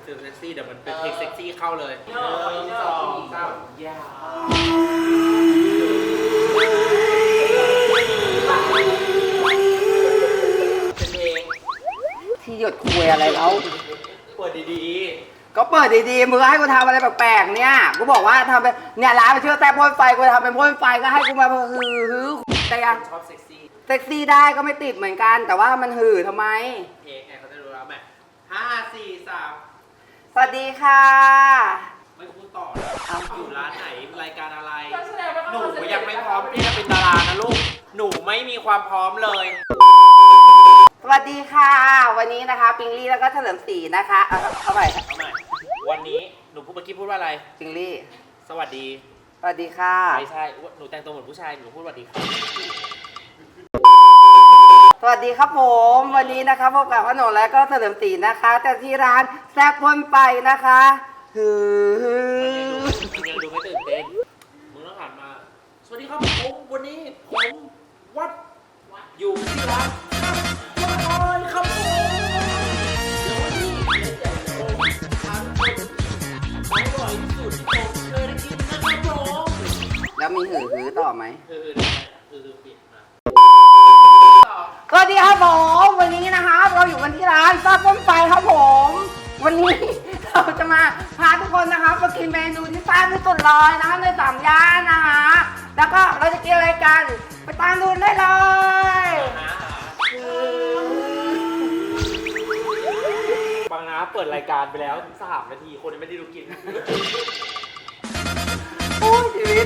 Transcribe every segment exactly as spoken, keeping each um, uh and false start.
ฟิลเซ็กซี่เดี๋ยวมันเป็นเพลงเซ็กซี่เข้าเลยหนึ่งสองสามยาเป็นเพลงที่หยดคุยอะไรแล้วเปิดดีๆก็เปิดดีๆมึงให้กูทำอะไรแปลกๆเนี่ยกูบอกว่าทำเป็นเนี่ยร้านมันชื่อแต่พ่นไฟกูทำเป็นพ่นไฟก็ให้กูมาฮือฮือแต่ยังชอบเซ็กซี่เซ็กซี่ได้ก็ไม่ติดเหมือนกันแต่ว่ามันหือทำไมเพลงไงเขาจะรู้แล้วไหมห้าสี่สามสวัสดีค่ะไม่พูดต่ออยู่ร้านไหนรายการอะไรหนูยังไม่พร้อมที่จะเป็นดารานะลูกหนูไม่มีความพร้อมเลยสวัสดีค่ะวันนี้นะคะปิงลี่แล้วก็เฉลิมศรีนะคะเอาเอาใหม่เอาใหม่วันนี้หนูพูดเมื่อกี้พูดว่าอะไรปิงลี่สวัสดีสวัสดีค่ะไม่ใช่หนูแต่งตัวเหมือนผู้ชายหนูพูดสวัสดีค่ะสวัสดีครับผมวันนี้นะคะพบกับขนมและก็เฉลิมศรีนะคะแต่ที่ร้านแซ่บพ่นไฟนะคะฮือมันยังดูไม่ตื่นเต้นมึงต้องหันมาสวัสดีครับผมวันนี้ผมวัดอยู่ที่ร้านวัดออนครับผมเดี๋ยววันนี้เล่นใหญ่โตทานคนอร่อยที่สุดที่ผมเคยได้กินนะครับผมแล้วมีหือหือต่อไหมเออเออเปลี่ยนมาสวัสดีครับผมวันนี้นะคะเราอยู่กันที่ร้านแซ่บพ่นไฟครับผมวันนี้เราจะมาพาทุกคนนะคะมากินเมนูที่แซ่บที่สุดเลยนะคะในสามย่านนะคะแล้วก็เราจะกินอะไรกันไปตามดูได้เลยบางนะเปิดรายการไปแล้วสามนาทีคนยังไม่ได้ดูกินโอ้ยชีวิต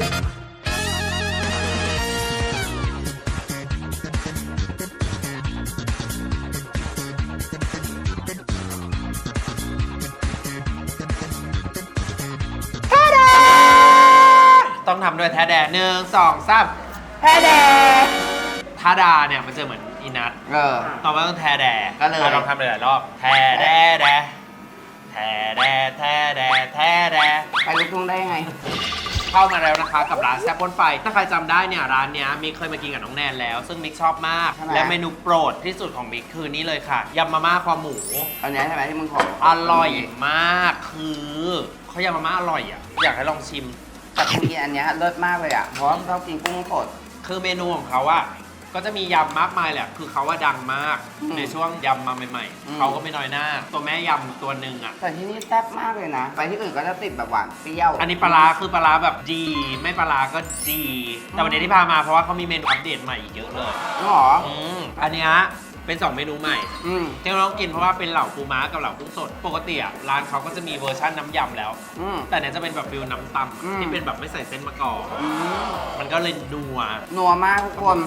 ต้องทำด้วยแท้แดหนึ่งสองสามแท้แดท่าดาเนี่ยมันจะเหมือนอีนัทเออต่อมาต้องแท้แดก็เลยลองทำหลายๆรอบแท้แดแดแท้แดแท้แดแท้แดไปลูกทุ่งได้ไงเข้ามาแล้วนะคะกับร้านแซ่บพ่นไฟถ้าใครจำได้เนี่ยร้านเนี้ยมิกเคยมากินกับน้องแนนแล้วซึ่งมิกชอบมากและเมนูโปรดที่สุดของมิกคือนี่เลยค่ะยำมาม่าคอหมูอันนี้ใช่ไหมที่มึงขออร่อยมากคือเขายำมาม่าอร่อยอ่ะอยากให้ลองชิมแต่กูกินอันนี้เลิศมากเลยอ่ะเพราะว่าชอบกินกุ้งสดคือเมนูของเขาอะก็จะมียำมากมายแหละคือเขาว่าดังมากในช่วงยำมาใหม่ๆเขาก็ไม่น้อยหน้าตัวแม่ยำตัวหนึ่งอะแต่ที่นี่แซ่บมากเลยนะไปที่อื่นก็จะติดแบบหวานเปรี้ยวอันนี้ปลาคือปลาแบบจีไม่ปลาก็จีแต่วันนี้ที่พามาเพราะว่าเขามีเมนูอัปเดตใหม่อีกเยอะเลยหรออืมอันนี้เป็นสองเมนูใหม่ที่เราต้องกินเพราะว่าเป็นเหล่าปูม้ากับเหล่ากุ้งสดปกติอ่ะร้านเขาก็จะมีเวอร์ชันน้ำยำแล้วแต่เนี่ยจะเป็นแบบฟิลน้ำตำที่เป็นแบบไม่ใส่เส้นมะกอกมันก็เลยนัวนัวมากทุกคน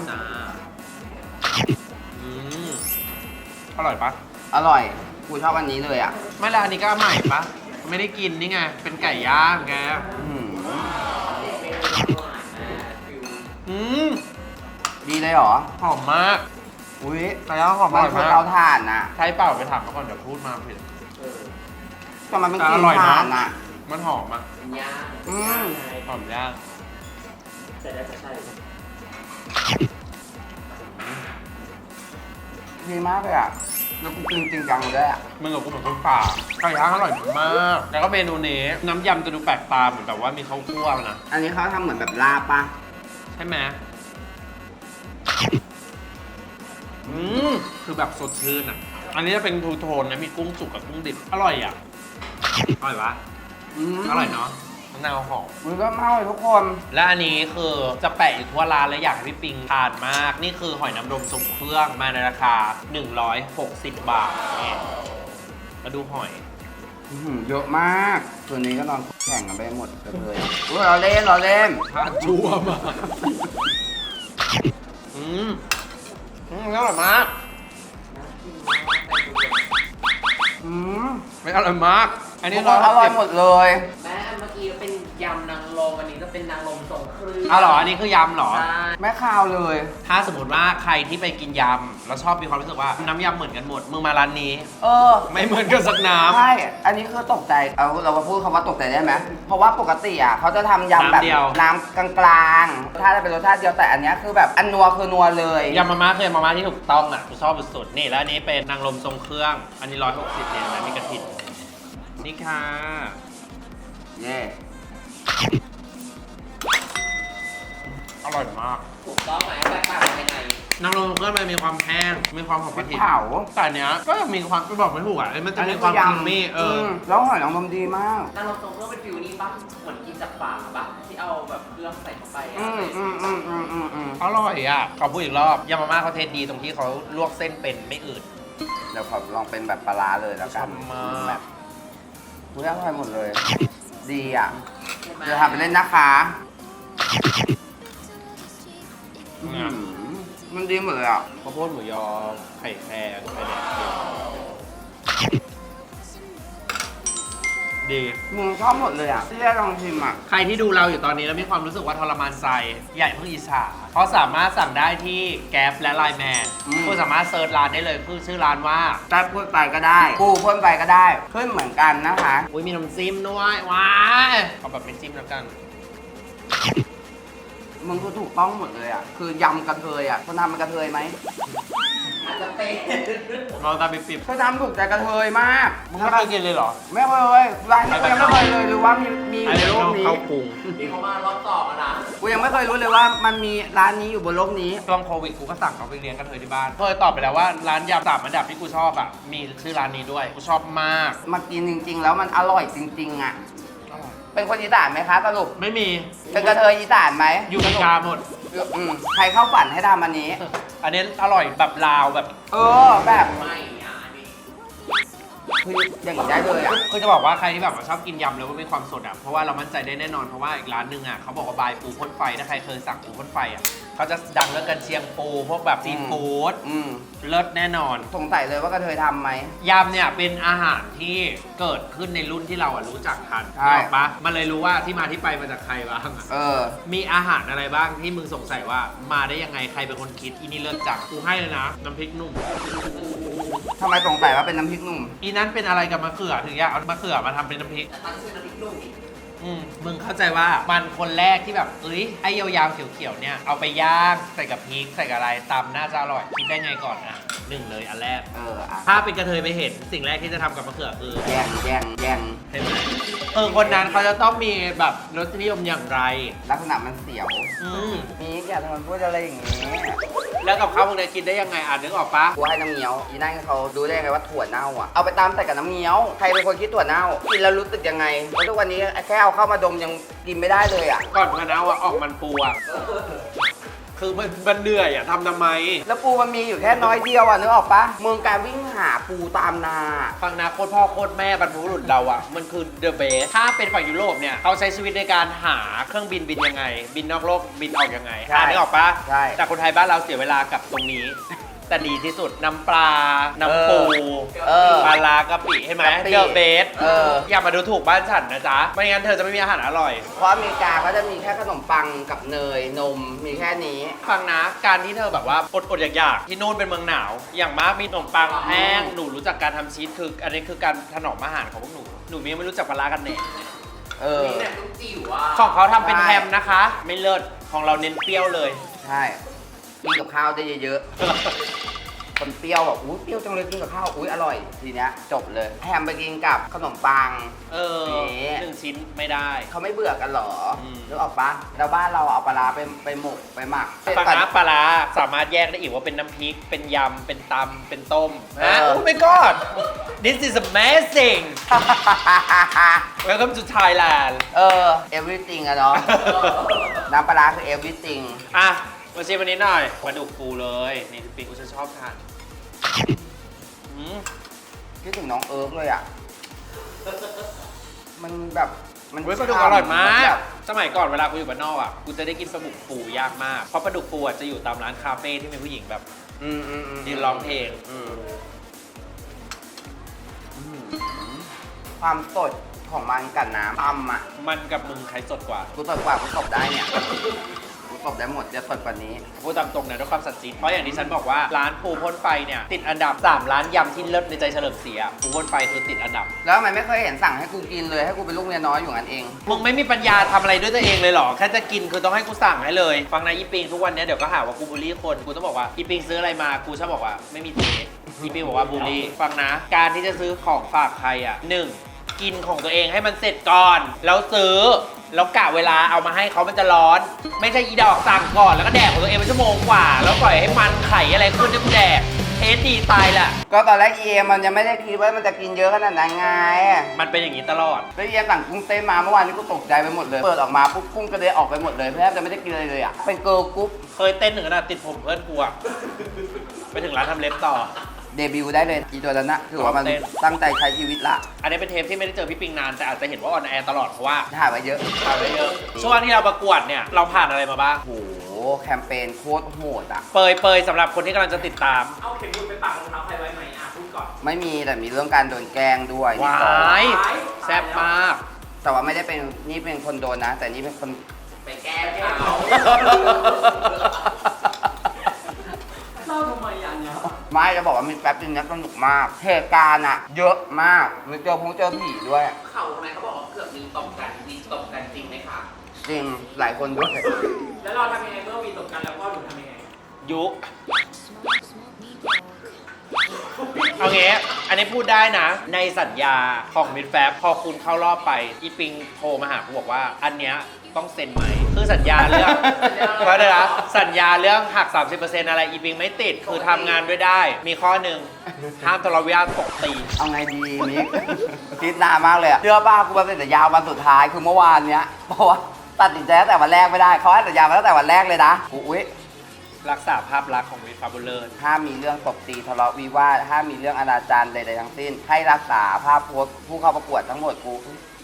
อืมอร่อยปะอร่อยกูชอบอันนี้เลยอ่ะไม่ละอันนี้ก็ใหม่ปะไม่ได้กินนี่ไงเป็นไก่ย่างแกอืมดีเลยเหรอหอมมากอุ้ยไก่ย่างหอมมากมันคือเตาถ่านน่ะใช้เปล่าไปถามเขาก่อนเดี๋ยวพูดมาผิดแต่มันเป็นกลิ่นถ่านน่ะมันหอมอ่ะย่างอืมหอมย่างแต่ได้ใช่ดีมากเลยอ่ะแล้วกูกินจริงจังเลยอ่ะมึงกับกูเหมือนคนป่าไก่ย่างอร่อยมากแล้วก็เมนูนี้น้ำยำจะดูแปลกตาเหมือนแบบว่ามีข้าวคั่วนะอันนี้เขาทำเหมือนแบบลาบปะใช่ไหมอืมคือแบบสดชื่นอ่ะอันนี้จะเป็นทูโทนนะมีกุ้งสุกกับกุ้งดิบอร่อยอ่ะอร่อยวะอร่อยเนาะมะนาวหอมมันก็เมาเลยทุกคนและอันนี้คือจะแปะอยู่ทั่วร้านและอยากให้พี่ปิงทานมากนี่คือหอยนางรมทรงเครื่องมาในราคาหนึ่งร้อยหกสิบบาทนี่มาดูหอยเยอะมากส่วนนี้ก็นอนแข่งกันไปหมดเลยเราเล่นเราเล่นทานชั่วมากอืมอืมอร่อยมากอืมไม่อร่อยมากอันนี้อร่อยหมดเลยแม่เมื่อกี้เป็นยำนางรมอันนี้จะเป็นนางรมทรงเครื่องอ๋อเหรออันนี้คือยำเหรอไม่ข้าวเลยถ้าสมมติว่าใครที่ไปกินยำแล้วชอบมีความรู้สึกว่าน้ำยำเหมือนกันหมดมึงมาร้านนี้เออไม่เหมือนกันสักน้ำใช่อันนี้คือตกใจเอาเราพูดคำว่าตกใจได้ไหมเพราะว่าปกติอ่ะเขาจะทำยำแบบน้ำกลางๆถ้าจะเป็นรสชาติเดียวแต่อันนี้คือแบบอันนัวคือนัวเลยยำมาม่าคือยำมาม่าที่ถูกต้องอ่ะกูชอบสุดๆนี่แล้วอันนี้เป็นนางรมทรงเครื่องอันนี้ร้อยหกสิบเนี่ยนะมีกระถิ่นชนี่ค่ะเย่อร่อยมากถูกต้องไหมแตกต่างกันยังไงนางรมก็มันมีความแห้งมีความหอมพกริระกเทียมเผาแต่อันเนี้ยก็ยังมีความไม่บอกไม่ถูกอ่ะมันจะมีความครีมมี่เออมแล้วหอยนางรมดีมากนางรมทรงเครื่องเป็นฟิวนี้ป่ะเหมือนกินจากฝาป่ะที่เอาแบบเครื่องใส่เข้าไปอะอืมอืมอืมอืมอืมอืมอร่อยอ่ะขอพูดอีกรอบยำมาม่าเขาเทสดีตรงที่เขาลวกเส้นเป็นไม่อืดเดี๋ยวขอลองเป็นแบบปลาร้าเลยแล้วกันชอบมากแบบอุ้ยอร่อยหมดเลย ดีอ่ะใช่ไหมเดี๋ยวทำไปเล่นนะคะอื้อหือมันดีหมดเลยอ่ะข้าวโพดหมูยอไข่แครงไข่แดงดีมึงชอบหมดเลยอ่ะที่ได้ลองชิมอ่ะใครที่ดูเราอยู่ตอนนี้แล้วมีความรู้สึกว่าทรมานใจใหญ่เพิ่งอิจฉาเพราะสามารถสั่งได้ที่แก๊ปและไลน์แมนอืมคุณสามารถเซิร์ชร้านได้เลยคือชื่อร้านว่าได้พูดไปก็ได้ปูพ่นไปก็ได้ ขึ้นเหมือนกันนะคะอุ้ยมีน้ำจิ้มด้วยว้ายเอาแบบไม่จิ้มแล้วกันมึงก็ถูกต้องหมดเลยอ่ะ คือยำกระเทยอ่ะคนทำเป็นกระเทยไหมอาจจะเป็นลองตามไปปิบเธอทำถูกใจกระเทยมากมึงไม่เคยกินเลยเหรอไม่เคยร้านนี้กูยังไม่เคยเลยหรือว่ามีมีออันยู่นี้บนโลต้อก งนี้เข้ากรุงมีเขามารอบต่อกันนะกูยังไม่เคยรู้เลยว่ามันมีร้านนี้อยู่บนโลกนี้ช่วงโควิดกูก็สั่งเขาไปเลี้ยงกันเทยที่บ้านเคยตอบไปแล้วว่าร้านยำสามอันดับที่กูชอบอ่ะมีชื่อร้านนี้ด้วยกูชอบมากมากินจริง ๆ แล้วมันอร่อยจริง ๆ อ่ะ เป็นคนอีสานไหมคะสรุปไม่มีเป็นกระเทยอีสานไหมอยู่กันกาหมดอืมใครเข้าฝันให้ทำอันนี้อันนี้อร่อยแบบลาวแบบเออแบบไม่อ่ะนี่คืออย่างนี้ได้เลยอ่ะคือจะบอกว่าใครที่แบบว่าชอบกินยำแล้วก็มีความสดอ่ะ เพราะว่าเรามั่นใจได้แน่นอน เพราะว่าอีกร้านหนึงอ่ะเขาบอกว่าบายปูพ่นไฟ ถ้าใครเคยสั่งปูพ่นไฟอ่ะเขาจะดังเรื่องกันเชียงปู พวกแบบซีฟู้ดอืมเลิศแน่นอนสงสัยเลยว่ากระเทยทำไหมยำเนี่ยเป็นอาหารที่เกิดขึ้นในรุ่นที่เราอ่ะรู้จักทันใช่ถูกปะมันเลยรู้ว่าที่มาที่ไปมาจากใครบ้างอะเออมีอาหารอะไรบ้างที่มึงสงสัยว่ามาได้ยังไงใครเป็นคนคิดอีนี่เลิศจังกูให้เลยนะ น้ำพริกหนุ่มทำไมสงสัยว่าเป็นน้ำพริกหนุ่มอีนั้นเป็นอะไรกับมะเขือถึงอยากเอามะเขือมาทำเป็นน้ำพริกแต่ตั้งชื่อน้ำพริกหนุ่มอีกอืมมึงเข้าใจว่ามันคนแรกที่แบบเอ้ยไอ้ยาวๆเขียวๆเนี่ยเอาไปย่างใส่กับพริกใส่กับอะไรตำน่าจะอร่อยคิดได้ไงก่อนอ่ะหนึ่งเลยอันแรกเอออ่ะถ้าเป็นกระเทยไปเห็นสิ่งแรกที่จะทำกับมะเขือคือแย่งแย่งแย่งเห็นไหมเออคนนั้นเขาจะต้องมีแบบรสนิยมอย่างไรลักษณะมันเสียวอืมนี่อย่าทำมันพูดอะไรอย่างนี้แล้วกับข้าวพวกนี้กินได้ยังไงอ่านนึกออกปะกูให้น้ำเงี้ยวอีนั่นเขาดูได้ไงว่าถั่วเน่าอ่ะ เอาไปตามใส่กับน้ำเงี้ยว ใครเป็นคนคิดถั่วเน่า กินแล้วรู้สึกยังไงเพราะทุกวันนี้แค่เอาเข้ามาดมยังกินไม่ได้เลยอ่ะก่อนพะนาวอะออกมันปูอะคือมันมันเหนื่อยอะทำทำไมแล้วปูมันมีอยู่แค่น้อยเดียวอ่ะนึกออกปะมึงการวิ่งหาปูตามนาฟังนะโคตรพ่อโคตรแม่บรรพบุรุษเราอะมันคือเดอะเบสถ้าเป็นฝั่งยุโรปเนี่ยเขาใช้ชีวิตในการหาเครื่องบินบินยังไง บินนอกโลกบินออกยังไงใช่อ่านนึกออกปะใช่แต่คนไทยบ้านเราเสียเวลากับตรงนี้ แต่ดีที่สุดน้ำปลา น้ำปูเออปลาลากะปิใช่ไหมกะปิเดอะเบสเอออย่ามาดูถูกบ้านฉันนะจ๊ะไม่งั้นเธอจะไม่มีอาหารอร่อยเพราะอเมริกาเขาจะมีแค่ขนมปังกับเนยนมมีแค่นี้ฟังนะการที่เธอแบบว่าอดอดอยากๆที่นู่นเป็นเมืองหนาว อย่างมากมีขนมปังแห้งหนูรู้จักการทำชีสคือ อันนี้คือการถนอมอาหารของพวกหนูหนูยังไม่รู้จักปลาร้ากันแน่เออนี่แบบต้องจิ๋วอ่ะของเขาทำเป็นใช่แฮมนะคะ ไม่เลิศของเราเน้นเปรี้ยวเลยใช่กินกับข้าวได้เยอะๆ คนเปรี้ยวแบบอุ้ยเปรี้ยวจังเลยกินกับข้าวอุ้ยอร่อย ทีเนี้ยจบเลยแฮมไปกินกับขนมปังเออนี่หนึ่งชิ้นไม่ได้เขาไม่เบื่อกันเหรออืมนึกออกปะแล้วบ้านเราเอาปลาร้าไปไปหมกไปหมักปลาร้าปลาร้าสามารถแยกได้อีกว่าเป็นน้ำพริก เป็นยำ เป็นตำ เป็นต้มเอฮะอโอ้ my god this is amazing welcome to Thailand เออ everything อะเนาะ น้ำปลาร้าคือ everything อ่ะ มาชิมวันนี้หน่อยปลาดุกฟูเลย นี่ปีกูจะชอบทานอืมคิดถึงน้องเอิร์กเลยอ่ะ มันแบบมันเว้ยปลาดุกอร่อยมากแบบสมัยก่อนเวลากูอยู่บ้านนอกอ่ะ กูจะได้กินปลาดุกฟูยากมาก เพราะปลาดุกฟูอ่ะจะอยู่ตามร้านคาเฟ่ที่มีผู้หญิงแบบอืมอืมอืมยืนร้องเพลงอืมอืมความสดของมันกับน้ำตำอ่ะมันกับมึงใครสดกว่ากูตบกว่ากูตบได้เนี่ยกูตบได้หมดจะสดกว่านี้พูดตามตรงนะด้วยความสัตย์จริงเพราะอย่างที่ฉันบอกว่าร้านปูพ่นไฟเนี่ยติดอันดับสามร้านยำที่เลิศในใจเฉลิมศรีอะปูพ่นไฟคือติดอันดับแล้วทำไมไม่เคยเห็นสั่งให้กูกินเลยให้กูเป็นลูกเมียน้อยอยู่งั้นเองมึงไม่มีปัญญาทำอะไรด้วยตัวเองเลยเหรอ แค่จะกินคือต้องให้กูสั่งให้เลย ฟังนะอีปิงทุกวันเนี้ยเดี๋ยวก็หาว่ากูบูลลี่คน กูต้องบอกว่าอีปิงซื้ออะไรมา กูชอบบอกว่าไม่มีเทสอีปิงบอกว่าบูลลี่ ฟังนะ การที่จะซื้อของฝากใครอ่ะหนึ่งกินของตัวเองให้มันเสร็จก่อน แล้วซื้อ แล้วกะเวลาเอามาให้เขามันจะร้อน ไม่ใช่อีดอกสั่งก่อนแล้วก็แดกของตัวเองเป็นชั่วโมงกว่า แล้วปล่อยให้มันไข่อะไรขึ้นให้กูแดก เทสดีตายแหละก็ตอนแรกเอ็มมันยังไม่ได้คิดว่ามันจะกินเยอะขนาดนั้นไงมันเป็นอย่างนี้ตลอดแล้วเอ็มสั่งกุ้งเต้นมาเมื่อวานนี้กูตกใจไปหมดเลย เปิดออกมาปุ๊บกุ้งกระเด็นออกไปหมดเลยแทบจะไม่ได้กินอะไรเลยอ่ะ เป็นเกิร์ลกรุ๊ปเคยเต้นถึงขนาดติดผมเพื่อนกูอะไปถึงร้านทำเล็บต่อเดบิวต์ได้เลยอีตัวนั้นนะถือว่ามันเต้นตั้งใจใช้ชีวิตละอันนี้เป็นเทปที่ไม่ได้เจอพี่ปิงนานแต่อาจจะเห็นว่าออนแอร์ตลอดเพราะว่าถ่ายมาเยอะถ่ายไปเยอะ ช่วงที่เราประกวดเนี่ยเราผ่านอะไรมาบ้างโอ้โหแคมเปญโคตรโหดอ่ะเปยเปยสำหรับคนที่กำลังจะติดตามเอาเข็มบุญไปปักรองเท้าใครไว้ไหมอ่ะพูดก่อนไม่มีแต่มีเรื่องการโดนแกล้งด้วยวายแซ่บมากแต่ว่าไม่ได้เป็นนี่เป็นคนโดนนะ แต่นี่เป็นคนไปแก้เขาเล่าทำไมอ่ะเนี่ยไม่จะบอกว่ามีแป๊บนึงนะสนุกมากเหตุการณ์อะเยอะมากมีเจอพงเจอผีด้วยเขาทำไมเขาบอกว่าเกือบมีตบกันมีตบกันจริงไหมคะจริงหลายคนด้วยแล้วเราทำยังไงเมื่อมีตบกันแล้วพ่อหนูทำยังไงยุคเอางี้อันนี้พูดได้นะ ในสัญญาของมิดแฟบพอคุณเข้ารอบไป อีปิงโทรมาหากูบอกว่า อันเนี้ยต้องเซ็นไหม คือสัญญาเรื่องเพราะเดี๋ยวนะสัญญาเรื่องหัก สามสิบเปอร์เซ็นต์ อะไรอีปิงไม่ติด คือทำงานด้วยได้ มีข้อหนึ่งห้ามทะเลาะวิวาทตกตีเอาไงดีมิกคิดนานมากเลยอะเชื่อป้ากูมาเป็นสัญญาวันสุดท้ายคือเมื่อวานเนี้ยเพราะว่าตัดสินใจตั้งแต่วันแรกไม่ได้เขาให้สัญญามาตั้งแต่วันแรกเลยนะกูอุ๊ยรักษาภาพลักษณ์ของมิดฟาบูเลอร์ห้ามมีเรื่องตบตีทะเลาะวิวาทห้ามมีเรื่องอนาจารใดๆทั้งสิ้น ให้รักษาภาพโพสต์ผู้เข้าประกวดทั้งหมดกู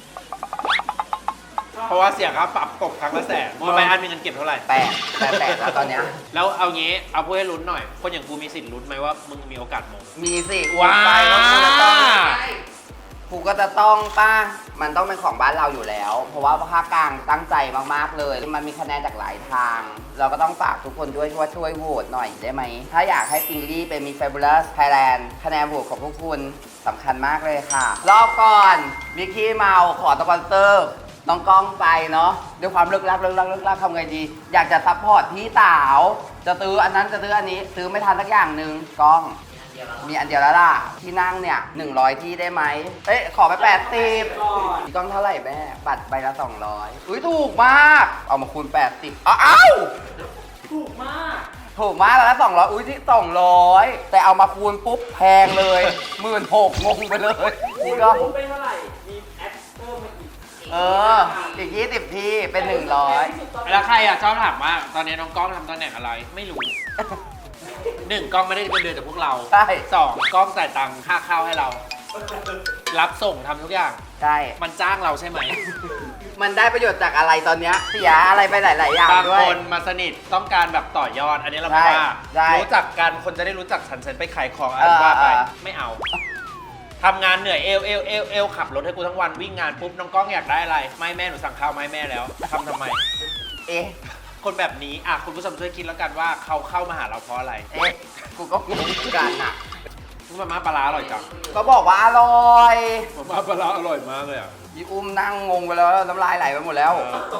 เพราะว่าเสียค่าปรับตกครั้งละแสนมอไปอันมีเงินเก็บเท่าไหร่แปดแปดแปดแล้วตอนเนี้ยแล้วเอางี้เอาพูดให้ลุ้นหน่อย คนอย่างกูมีสิทธิ์ลุ้นไหมว่ามึงมีโอกาสมงมีสิว้าไปแล้วกูจะต้องกูก็จะต้องป้ามันต้องเป็นของบ้านเราอยู่แล้ว เพราะว่าภาคกลางตั้งใจมากๆเลย มันมีคะแนนจากหลายทาง เราก็ต้องฝากทุกคนด้วยว่าช่วยโหวตหน่อยได้ไหม ถ้าอยากให้ปิงลี่เป็นมี Fabulous Thailand คะแนนโหวตของพวกคุณสำคัญมากเลยค่ะ รอบก่อนมิกกี้เมาขอสปอนเซอร์น้องกล้องไปเนาะด้วยความเลิกลักเลิกลักเลิกลักทำไงดี อยากจะซัพพอร์ตพี่สาวจะซื้ออันนั้นจะซื้ออันนี้ซื้อไม่ทันสักอย่างหนึ่งกล้อง มีอันเดียวแล้วล่ะ ที่นั่งเนี่ยหนึ่งร้อยที่ได้ไหมเอ๊ะ ขอไปแปดสิบพี่ก้องเท่าไหร่แม่ บัตรใบละสองร้อยอุ้ยถูกมาก เอามาคูณแปดสิบอ้าวอ้าวถูกมากถูกมากแล้วละสองร้อยอุ้ยที่สองร้อยแต่เอามาคูณปุ๊บแพงเลยหมื่นหกงงไปเลยนี่ก็รู้ไปเท่าไหร่ มีแอปเพิ่มมาอีกเออ อีกยี่สิบที่เป็นหนึ่งร้อยแล้วใครอ่ะชอบถามว่าตอนนี้น้องกล้องทำตำแหน่งอะไร ไม่รู้ หนึ่งกล้องไม่ได้เป็นเดือนจากพวกเราใช่สองกล้องจ่ายตังค่าข้าวให้เรา รับส่งทำทุกอย่างใช่มันจ้างเราใช่ไหมมันได้ประโยชน์จากอะไรตอนเนี้ยเสียอะไรไปหลาย ๆ อย่างบางด้วคยนมาสนิทต้องการแบบต่อยอด อันนี้เราไม่ใช่ว่าใช่รู้จักกันคนจะได้รู้จักฉันฉันไปขายของอะไรเออว่าไปเออไม่เอาทำงานเหนื่อยเอวเอวเอวเอวขับรถให้กูทั้งวันวิ่งงานปุ๊บน้องกล้องอยากได้อะไร ไม่แม่หนูสั่งข้าวไม่แม่แล้วทำทำไมเอ๊ะคนแบบนี้อ่ะคุณผู้ชมช่วยคิดแล้วกันว่าเขาเข้ามาหาเราเพราะอะไรเอ๊ะ กูก็งงเหมือนกันอ่ะมาม่าปลาร้าอร่อยจังก็บอกว่าอร่อยมาม่าปลาร้าอร่อยมากเลยอ่ะยีอุ้มนั่งงงไปแล้วน้ำลายไหลไปหมดแล้ว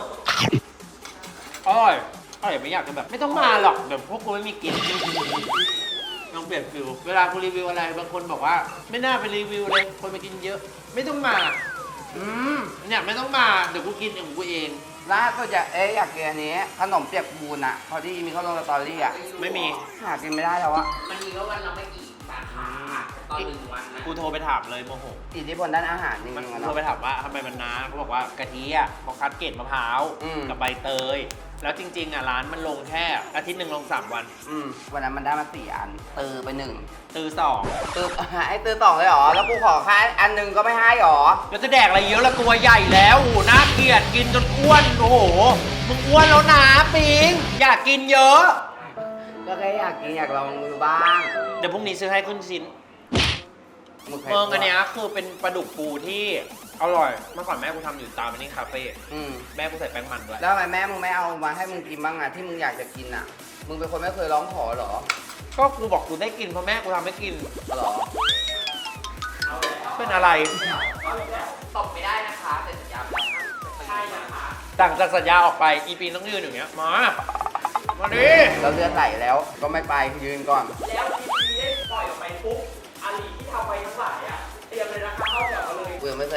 อร่อยอร่อยไม่อยากจะแบบ ไม่ต้องมาหรอกเดี๋ยวพวกกูไม่มีกินลองเปลี่ยนฟิลเวลากูรีวิวอะไรบางคนบอกว่า ไม่น่าไปรีวิวเลยคนมากินเยอะ ไม่ต้องมาอืมเนี่ยไม่ต้องมาเดี๋ยวกูกินของกูเองล่าสุดอยากเอ๊ะอยากกินอันนี้ขนมเปียกปูนอ่ะ พอที่มีเขาลงสตอรี่อ่ะไม่มีหากินไม่ได้แล้วอะมันมีก็วันละไม่กี่สาขาตอนหนึ่งวันนะกูโทรไปถามเลยโมโหอิทธิพลด้านอาหารจริงมันๆอะโทรเนาะไปถามว่าทำไมมันนานเขาบอกว่ากะทิอ่ะเขาคัดเกล็ดมะพร้าวอืมกับใบเตย แล้วจริงๆอ่ะร้านมันลงแค่อาทิตย์หนึ่งลงสามวันอืมวันนั้นมันได้มาสี่อันตือไปหนึ่งตือสองตือไอ้ตือสองเลยเหรอ แล้วกูขอแค่อันหนึ่งก็ไม่ให้เหรอแล้วจะแดกอะไรเยอะละตัวใหญ่แล้วโอ้โหน่าเกลียดกินจนอ้วนโอ้โหมึงอ้วนแล้วนะปิงอยากกินเยอะก็แค่อยากกินอยากลองมือบ้างเดี๋ยวพรุ่งนี้ซื้อให้ขึ้นชิ้นมึงเคยเมืองอันเนี้ยคือเป็นปลาดุกปูที่อร่อยเมื่อก่อนแม่กูทำอยู่ตามอันนี้คาเฟ่อืมแม่กูใส่แป้งมันด้วยแล้วทำไมแม่มึงไม่เอามาให้มึงกินบ้างอะที่มึงอยากจะกินอะมึงเป็นคนไม่เคยร้องขอเหรอก็กูบอกกูได้กินเพราะแม่กูทำให้กินเหรอเป็นอะไรตบไม่ได้นะคะเซ็นสัญญาไปแล้วใช่นะคะต่างจากสัญญาออกไปอีปีต้องยืนอย่างเงี้ยมามาดิเราเลือดไหลแล้วก็ไม่ไปยืนก่อนแล้วทีทีได้ปล่อยออกไปปุ๊บอาลีที่ทำไปทั้งหลายอ่ะเตรียมเลยนะคะเข้าแถวมาเลยกูยังไม่เคย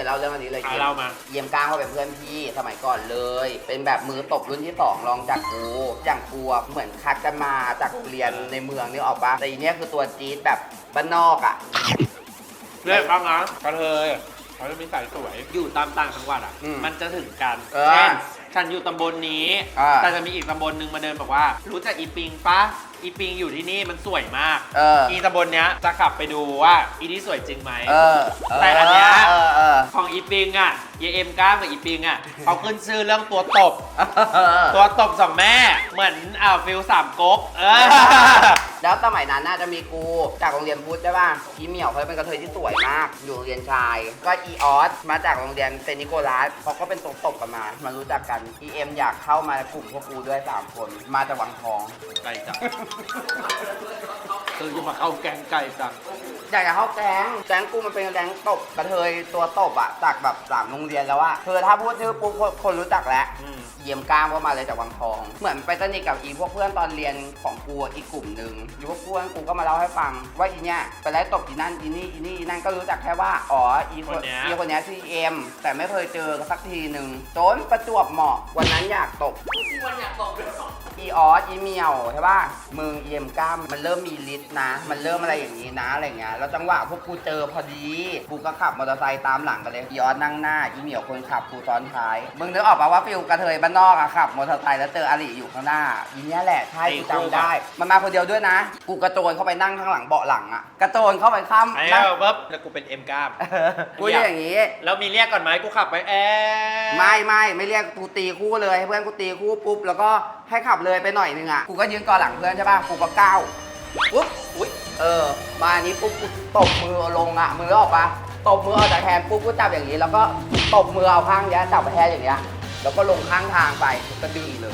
เล่าเรื่องอันนี้เลยอ่ะเล่ามาเยี่ยมก้างเขาเป็นเพื่อนพี่สมัยก่อนเลย เป็นแบบมือตบรุ่นที่สองรองจากกูอย่างกูอะเหมือนคัดกันมาจากเรียนในเมืองนี่ออกปะแต่อีเนี้ยคือตัวจี๊ดแบบบ้านนอกอ่ะเรียกบ้างนะกระเทยเขาจะมีสายสวยอยู่ตามต่างจังหวัดอ่ะอืมมันจะถึงกันเออเช่นฉันอยู่ตำบลนี้อ่าแต่จะมีอีกตำบลหนึ่งมาเดินบอกว่า รู้จักอีปิงปะอีปิงอยู่ที่นี่มันสวยมากเอออีตำบลเนี้ยจะขับไปดูว่าอีนี่สวยจริงไหมเออแต่อันเนี้ยเออเออของอีปิงอ่ะเยเอ็มก้ามกับอีปิงอ่ะเขาขึ้นชื่อเรื่องตัวตบเออตัวตบสองแม่ เหมือนอ่าฟิลสามก๊กเออแล้วสมัยนั้นน่าจะมีกูจากโรงเรียนพุทธใช่ป่ะอีเหมียวเขาเป็นกระเทยที่สวยมาก อยู่โรงเรียนชาย ก็อีออสมาจากโรงเรียนเซนต์นิโคลัสเขาก็เป็นตัวตบกันมา มารู้จักกันอีเอ็มอยากเข้ามากลุ่มพวกกูด้วยสามคน มาจากวังทองไก่จังคือจะมาเข้าแกงไก่จังอยากจะเข้าแก๊งแก๊งกูมันเป็นแก๊งตบกระเทยตัวตบอะจากแบบสามโรงเรียนแล้วอะคือถ้าพูดชื่อปุ๊บคนคนรู้จักแล้วอืมเยี่ยมกล้ามก็มาเลยจากวังทอง เหมือนไปสนิทกับอีพวกเพื่อนตอนเรียนของกูอีกกลุ่มหนึ่งอีพวกเพื่อนกูก็มาเล่าให้ฟัง ว่าอีเนี้ยไปไล่ตบอีนั่นอีนี่อีนี่อีนั่นก็รู้จักแค่ว่าอ๋ออีคนอีคนเนี้ยชื่อเอ็มแต่ไม่เคยเจอสักทีหนึ่งจนประจวบเหมาะวันนั้นอยากตบที่วันอยากตกด้วยอีออสอีเมียวใช่ป่ะมึงเอ็มกล้ามมันเริ่มมีฤทธิ์นะ มันเริ่มอะไรอย่างนี้นะอะไรเงี้ยแล้วจังหวะพวกกูเจอพอดีกูก็ขับมอเตอร์ไซค์ตามหลังกันเลยอีออสนั่งหน้าอีเมียวคนขับกูซ้อนท้ายมึงนึกออกปะว่าฟิลกระเทยบ้านนอกอะขับมอเตอร์ไซค์แล้วเจออาลีอยู่ข้างหน้าอีเนี้ยแหละใช่กูจำได้ มันมาคนเดียวด้วยนะ กูกระโจนเข้าไปนั่งข้างหลังเบาะหลังอะกระโจนเข้าไปข้ามไอ้นั่งปุ๊บแล้วกูเป็นเอ็มก้ามกูอย่างงี้แล้วมีเรียกก่อนไหมกูขับไปแอร์ไม่ไม่ไม่เรียกกูตีคู่เลยให้เพื่อนกูตีคู่ปุ๊บแล้วก็ให้ขับเลยไปหน่อยนึงอ่ะกูก็ยืนก่อนหลังเพื่อนใช่ป่ะกูก็ก้าวปุ๊บอุ้ยเออมาอันนี้ปุ๊บกูตบมือลงอ่ะมือออกปะตบมือออกจากแฮนด์ปุ๊บกูจับอย่างนี้แล้วก็ตบมือเอาข้างเนี้ยจับแฮนด์อย่างเงี้ยแล้วก็ลงข้างทางไปก็ดึงเลย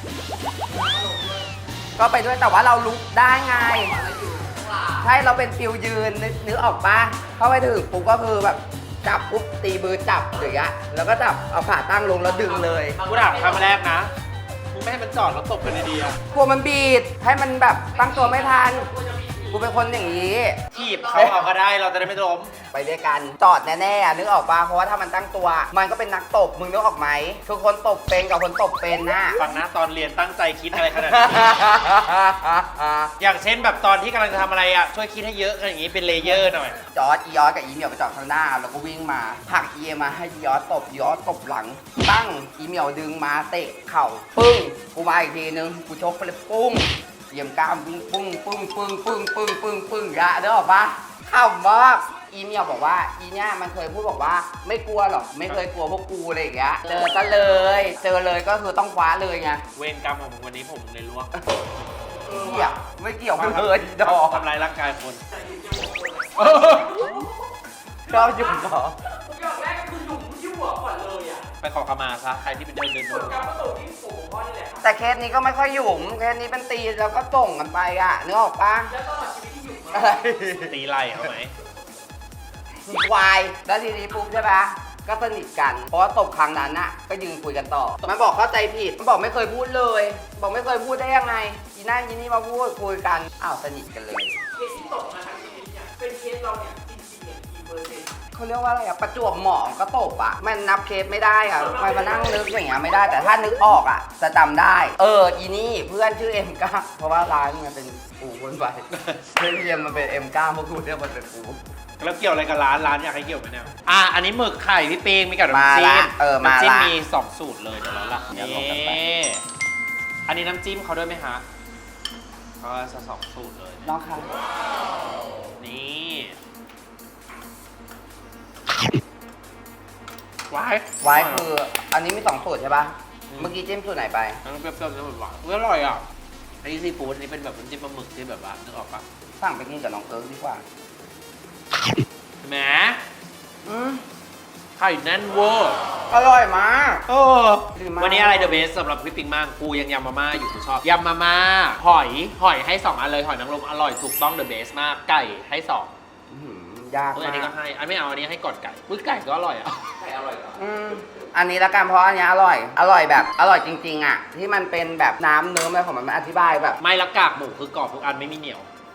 ก็ไปด้วยแต่ว่าเราลุกได้ไงใช่เราเป็นฟิวยืนนึกนึกออกปะเข้าไปถึงปุ๊บก็คือแบบจับปุ๊บตีมือจับอย่างเงี้ยแล้วก็จับเอาขาตั้งลงแล้วดึงเลยกูถามคำแรกนะมึงไม่ให้มันจอดแล้วตบกันดีๆอะกลัวมันบีดให้มันแบบตั้งตัวไม่ทันกูเป็นคนอย่างนี้ถีบเขาเอาก็ได้เราจะได้ไม่ล้มไปด้วยกันจอดแน่ๆอะนึกออกปะเพราะว่าถ้ามันตั้งตัว มันก็เป็นนักตบมึงนึกออกไหมคือคนตบเป็นกับคนตบเป็นนะฟังนะตอนเรียนตั้งใจคิดอะไรขนาดนี้ อย่างเช่นแบบตอนที่กำลังจะทำอะไรอ่ะช่วยคิดให้เยอะกันอย่างนี้เป็นเลเยอร์หน่อยจอดอีออสกับอีเหมียวไปจอดข้างหน้าแล้วก็วิ่งมาผลักอีเอมาให้อีออสตบอีออสตบหลัง ตั้งอีเหมียวดึงมาเตะเข่าปึ้งกูมาอีกทีนึงกูชกไปเลยปุ้งเหยี่ยมกล้ามปึ้งปึ้งปึ้งปึ้งปึ้งปึ้งปึ้งปึ้งยะเด้อปะเข้ามากอีเมียวบอกว่าอีเนี่ยมันเคยพูดบอกว่าไม่กลัวหรอกไม่เคยกลัวพวกกูอะไรอย่างเงี้ยเจอซะเลย เจอเลยก็คือต้องคว้าเลยไงเวรกรรมของผมวันนี้ผมเลยลวกเกี่ยวไม่เกี่ยวกันเลยดอกทำลายร่างกายคนชอบหยุ่มดอกอย่างแรกก็คือหนุ่มที่หัวก่อนเลยอ่ะไปขอขมาซะใครที่เป็นเดินเดินส่วนการประตูที่สูงพ่อนี่แหละครับแต่เคสนี้ก็ไม่ค่อยหยุ่มเคสนี้เป็นตีแล้วก็ส่งกันไปอ่ะนึกออกปะแล้วตลอดชีวิตที่อยู่มาอะไรตีไล่เอาไหมควายแล้วทีนี้ปุ๊บใช่ปะก็สนิทกัน เพราะว่าตบครั้งนั้นน่ะก็ยืนคุยกันต่อ มันบอกเข้าใจผิด มันบอกไม่เคยพูดเลย บอกไม่เคยพูดได้ยังไงอีนั่นอีนี่มาพูดคุยกัน อ้าวสนิทกันเลยเคสที่ตกมาทั้งชีวิตเนี่ยเป็นเคสเราเนี่ยจริงๆเนี่ยกี่เปอร์เซ็นต์เขาเรียกว่าอะไรอะประจวบเหมาะก็ตบอะมันนับเคสไม่ได้อะมันมานั่งนึกอย่างเงี้ยไม่ได้ แต่ถ้านึกออกอะจะจำได้ เออ อีนี่เพื่อนชื่อเอ็มก้าเพราะว่าร้านมันเป็นปูคนไปเพื่อนเรียนมันเป็นเอ็มก้าเพราะกูเรียกมันเป็นปูแล้วเกี่ยวอะไรกับร้านร้านอยากให้เกี่ยวไหมเนี่ยอ่ะอันนี้หมึกไข่พี่ปิงมีกับมาน้ำจิ้ละมเออมาละน้ำจิ้มมีสองสูตรเลยเดี๋ยวเราละเดี๋ยวลนี่องกันไปอันนี้น้ำจิ้มเขาด้วยไหมฮะก็จะสองสูตรเลยน้องคะนี่ว้ายไว้คืออันนี้มีสองสูตรใช่ปะเมื่อกี้จิ้มสูตรไหนไปทั้งเปรี้ยวๆแล้วหวานๆอุ๊ยอร่อยอ่ะอันนี้ซีฟู้ดอันนี้เป็นแบบน้ำจิ้มปลาหมึกที่แบบว่านึกออกปะสั่งไปกินกับน้องเอิร์กดีกว่าแหมอืมไข่แน่นเวอร์อร่อยมากเออดีมากวันนี้อะไรเดอะเบสสำหรับพี่ปิงมากกูยังยำมาม่าอยู่กูชอบยำมาม่าหอยหอยให้สองอันเลยหอยนางรมอร่อยถูกต้องเดอะเบสมากไก่ให้สองอื้อหือยากเอออัมานนี้ก็กให้อันไม่เอาอันนี้ให้ก่อนไก่อุ้ยไก่ก็อร่อยอ่ะไข่อร่อยเหรออืมอันนี้ละกันเพราะอันเนี้ยอร่อย อร่อยแบบอร่อยจริงๆอ่ะที่มันเป็นแบบน้ำเนื้ออะไรของมันมันอธิบายแบบไม่ละกากหมูคือกรอบทุกอันไม่มีเหนียว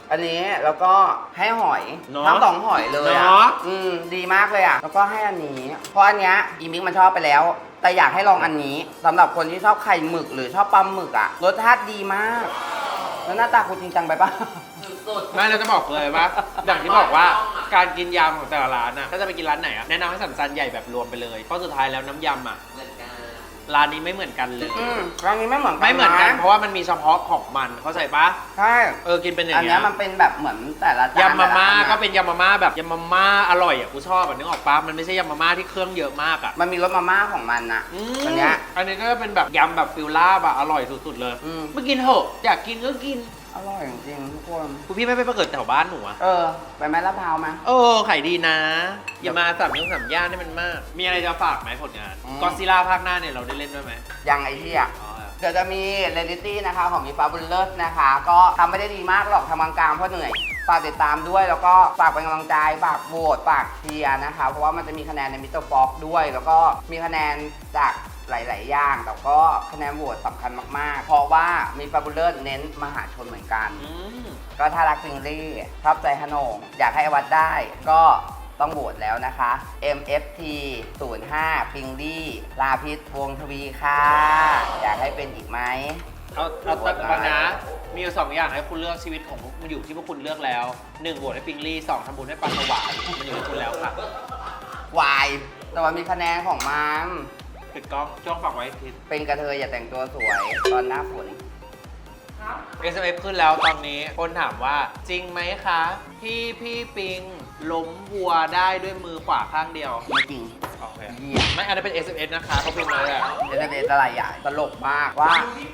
อันนี้แล้วก็ให้หอยเนอะทั้งสองหอยเลยอ่ะเนอะอืมดีมากเลยอ่ะแล้วก็ให้อันนี้ เพราะอันเนี้ยอีมิกมันชอบไปแล้ว แต่อยากให้ลองอันนี้สำหรับคนที่ชอบไข่หมึกหรือชอบปลาหมึกอ่ะรสชาติดีมาก แล้วหน้าตาคุณจริงจังไปปะสุดไม่เราจะบอกเลยว่าอย่างที่บอกว่าการกินยำของแต่ละร้านอ่ะถ้าจะไปกินร้านไหนอ่ะแนะนำให้สั่งจานใหญ่แบบรวมไปเลยเพราะสุดท้ายแล้วน้ำยำอ่ะๆเหมือนกันร้านนี้ไม่เหมือนกันเลยอืมร้านนี้ไม่เหมือนกันไม่เหมือนกันะ เพราะว่ามันมีเฉพาะของมันเข้าใจปะใช่เออกินเป็นอย่างอันเงี้เนี้ยยมันเป็นแบบเหมือนแต่ละจานยำมาม่าแต่ละอันอะก็เป็นยำมาม่าแบบยำมาม่าอร่อยอ่ะกูชอบอ่ะนึกออกปะมันไม่ใช่ยำมาม่าที่เครื่องเยอะมากอ่ะมันมีรสมาม่าของมันนะอือันมเนี้ยอันนี้ก็เป็นแบบยำแบบฟิลลาบอะอร่อยสุดๆเลยอืมไม่กินเถอะอยากกินก็กินอร่อยจริงๆทุกคนคุณพี่ไม่ไปเกิดแถวบ้านหนูอะเออ ไปไหมลาดพร้าวไหมเออขายดีนะ อย่ามาสามยุ่งสามย่านให้มันมาก มีอะไรจะฝากไหมผลงานอืมก็ซิล่าภาคหน้าเนี่ยเราได้เล่นด้วยไหมยังไอ้ที่อ่ะอ๋อเดี๋ยวจะมีเรลิตี้นะคะของมีฟ้าบุญเลิศนะคะ ก็ทำไม่ได้ดีมากหรอกทำกลางๆเพราะเหนื่อยฝากติดตามด้วยแล้วก็ฝากเป็นกำลังใจฝากโหวตฝากเชียร์นะคะ เพราะว่ามันจะมีคะแนนในมิสเตอร์ฟ็อกด้วย แล้วก็มีคะแนนจากหลาย ๆ อย่างแต่ก็คะแนนโหวตสำคัญมาก ๆ เพราะว่ามีฟ้าบุญเลิศเน้นมหาชนเหมือนกันอืมก็ถ้ารักฟิงลี่ชอบใจฮนงอยากให้อวัดได้ ก็ต้องโหวตแล้วนะคะ เอ็ม เอฟ ที ศูนย์ ห้า ฟิงลี่ลาพิษวงศ์ทวีค่ะ อยากให้เป็นอีกไหมเอาเอาตัดก่อนนะ มีอยู่สองอย่างให้คุณเลือกชีวิตของมันอยู่ที่พวกคุณเลือกแล้วหนึ่งโหวตให้ปิงลี่สองทำบุญให้ปลาสวายมันอยู่ที่คุณแล้วค่ะวายแต่ว่ามีคะแนนของมันปิดกล้องช่วงฝากไว้ทิศเป็นกระเทยอย่าแต่งตัวสวย ตอนหน้าฝนเอส เอ็ม เอฟ ขึ้นแล้วตอนนี้คนถามว่าจริงไหมคะ พี่พี่ปิงล้มวัวได้ด้วยมือขวาข้างเดียวไม่จริงโอเคเหี้ยไม่อันนั้นเป็น เอส เอ็ม เอส นะคะเขาพิมพ์มาเลยอะเอสเอสอะไรใหญ่ตลกมากว่า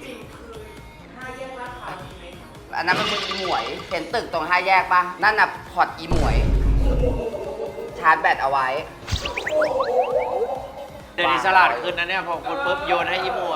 อันนั้นมันเป็นอีหมวย เห็นตึกตรงห้าแยกปะนั่นน่ะพอร์ตอีหมวย ชาร์จแบตเอาไว้เดี๋ยวนี้ฉลาดขึ้นนะเนี่ยพอคนปุ๊บโยนให้อีหมวย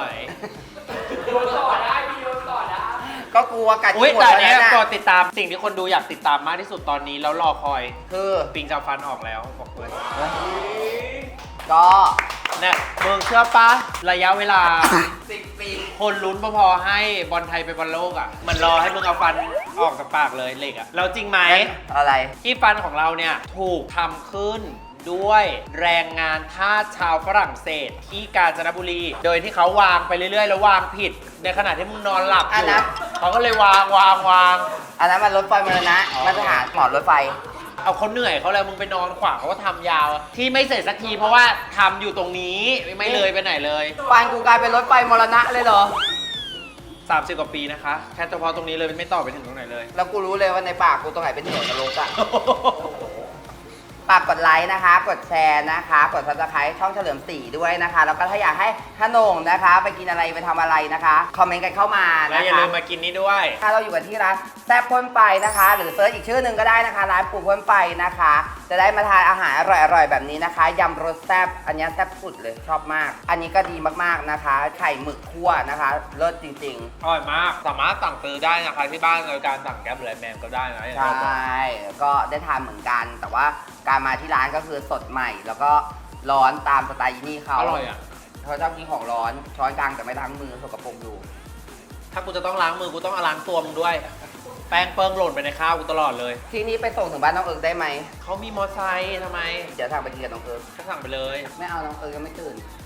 ก็กลัวกัดอุ้ยอีหมวแต่ยอันเนี้ยแล้วก็นะติดตามสิ่งที่คนดูอยากติดตามมากที่สุดตอนนี้แล้วรอคอยคือปิงจะฟันออกแล้วบอกเลยก็เนี่ยมึงเชื่อปะระยะเวลาสิบปีคนลุ้นพอๆให้บอลไทยไปบอลโลกอ่ะ มันรอให้มึงเอาฟันออกจากปากเลยเหล็กอ่ะแล้วจริงไหมอะไรที่ฟันของเราเนี่ย ถูกทำขึ้นด้วยแรงงานทาสชาวฝรั่งเศสที่กาญจนบุรี โดยที่เขาวางไปเรื่อยๆ แล้ววางผิด ในขณะที่มึงนอนหลับออันยู่นั้นเขาก็เลยวางวางวางอันนั้นมันรถไฟมาแล้วนะอ๋อมาตรฐานหมอดรถไฟเอาเขาเหนื่อยเขาเลยมึงไปนอนขวางเขาก็ทำยาว ที่ไม่เสร็จสักทีเพราะว่าทำอยู่ตรงนี้ไม่เลยไปไหนเลยฟันกูกลายเป็นรถไฟมรณะเลยเหรอสามสิบกว่าปีนะคะ แค่เฉพาะตรงนี้เลยไม่ต่อไปถึงตรงไหนเลยแล้วกูรู้เลยว่าในปากกูตรงไหนเป็นเหวนรกอะฝากกดไลค์นะคะ กดแชร์นะคะ กดซับสไครต์ช่องเฉลิมศรีด้วยนะคะ แล้วก็ถ้าอยากให้ขนงนะคะ ไปกินอะไรไปทำอะไรนะคะ คอมเมนต์กันเข้ามาแล้วนะอย่าคะลืมมากินนี้ด้วยถ้าเราอยู่กันที่ร้านแซ่บพ่นไฟนะคะ หรือเซิร์ชอีกชื่อหนึ่งก็ได้นะคะ ร้านปู่พ่นไฟนะคะ จะได้มาทานอาหารอร่อยๆแบบนี้นะคะยำรสแซ่บอันนี้แซ่บสุดเลยชอบมาก อันนี้ก็ดีมากๆนะคะ ไข่หมึกคั่วนะคะเลิศจริงอร่อยมาก สามารถสั่งซื้อได้นะคะที่บ้านโดยการสั่งแก๊ปหรือไลน์แมนก็ได้นะๆอย่างใชที่เราบอก่ก็ได้ทานเหมือนกัน แต่ว่าการมาที่ร้านก็คือสดใหม่ แล้วก็ร้อนตามสไตล์ยี่นี่เขาอร่อยอ่ะเขาชอบกินของร้อนช้อนกลางแต่ไม่ล้างมือสกปรกอยู่ถ้ากูจะต้องล้างมือกูต้องเอาล้างตัวมึงด้วย แป้งเปิ้งหล่นไปในข้าวกูตลอดเลยที่นี้ไปส่งถึงบ้านน้องเอิร์กได้ไหมเขามีมอไซค์ทำไมเดี๋ยวทางไปกินกับน้องเอิร์กก็สั่งไปเลยไม่เอาน้องเอิร์กยังไม่ตื่น